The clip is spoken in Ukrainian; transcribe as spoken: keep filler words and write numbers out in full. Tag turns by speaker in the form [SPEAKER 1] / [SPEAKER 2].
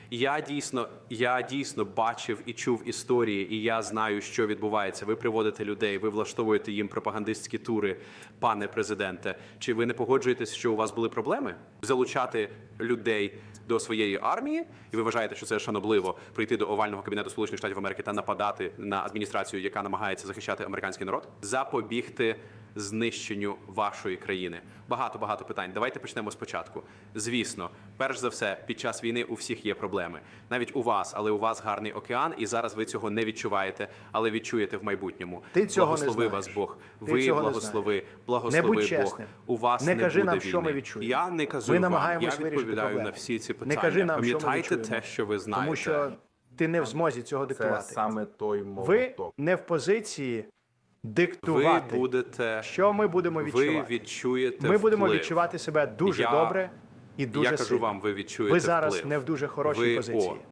[SPEAKER 1] Я дійсно, я дійсно бачив і чув історії, і я знаю, що відбувається. Ви приводите людей, ви влаштовуєте їм пропагандистські тури, пане президенте. Чи ви не погоджуєтесь, що у вас були проблеми залучати людей до своєї армії, і ви вважаєте, що це шанобливо прийти до овального кабінету Сполучених Штатів Америки та нападати на адміністрацію, яка намагається захищати американський народ, запобігти знищенню вашої країни? Багато-багато питань. Давайте почнемо спочатку. Звісно, перш за все, під час війни у всіх є проблеми. Навіть у вас, але у вас гарний океан, і зараз ви цього не відчуваєте, але відчуєте в майбутньому.
[SPEAKER 2] Ти цього
[SPEAKER 1] благослови
[SPEAKER 2] не
[SPEAKER 1] вас
[SPEAKER 2] знаєш.
[SPEAKER 1] Бог.
[SPEAKER 2] Ти
[SPEAKER 1] Ви
[SPEAKER 2] цього не
[SPEAKER 1] благослови,
[SPEAKER 2] знаєш.
[SPEAKER 1] благослови
[SPEAKER 2] Не будь
[SPEAKER 1] Бог.
[SPEAKER 2] чесним.
[SPEAKER 1] У вас
[SPEAKER 2] Не
[SPEAKER 1] не,
[SPEAKER 2] кажи
[SPEAKER 1] буде
[SPEAKER 2] нам, що
[SPEAKER 1] війни.
[SPEAKER 2] ми відчуємо.
[SPEAKER 1] Я не кажу
[SPEAKER 2] Ми
[SPEAKER 1] вам.
[SPEAKER 2] намагаємось
[SPEAKER 1] Я
[SPEAKER 2] вирішити
[SPEAKER 1] відповідаю
[SPEAKER 2] проблему.
[SPEAKER 1] на всі ці
[SPEAKER 2] Не
[SPEAKER 1] питання.
[SPEAKER 2] кажи нам, що ми
[SPEAKER 1] Пам'ятайте
[SPEAKER 2] відчуємо.
[SPEAKER 1] те, що ви знаєте.
[SPEAKER 2] Тому що ти не в змозі цього
[SPEAKER 3] Це
[SPEAKER 2] диктувати.
[SPEAKER 3] саме той
[SPEAKER 2] Ви
[SPEAKER 3] молоток.
[SPEAKER 2] не в позиції
[SPEAKER 1] ви
[SPEAKER 2] диктувати,
[SPEAKER 1] будете,
[SPEAKER 2] що ми будемо
[SPEAKER 1] ви
[SPEAKER 2] відчувати.
[SPEAKER 1] відчуєте
[SPEAKER 2] Ми будемо
[SPEAKER 1] вплив.
[SPEAKER 2] відчувати себе дуже
[SPEAKER 1] Я-
[SPEAKER 2] добре і дуже
[SPEAKER 1] Я кажу
[SPEAKER 2] сильно.
[SPEAKER 1] вам, ви відчуєте
[SPEAKER 2] Ви зараз
[SPEAKER 1] вплив.
[SPEAKER 2] не в дуже хорошій
[SPEAKER 1] ви,
[SPEAKER 2] позиції.
[SPEAKER 1] О,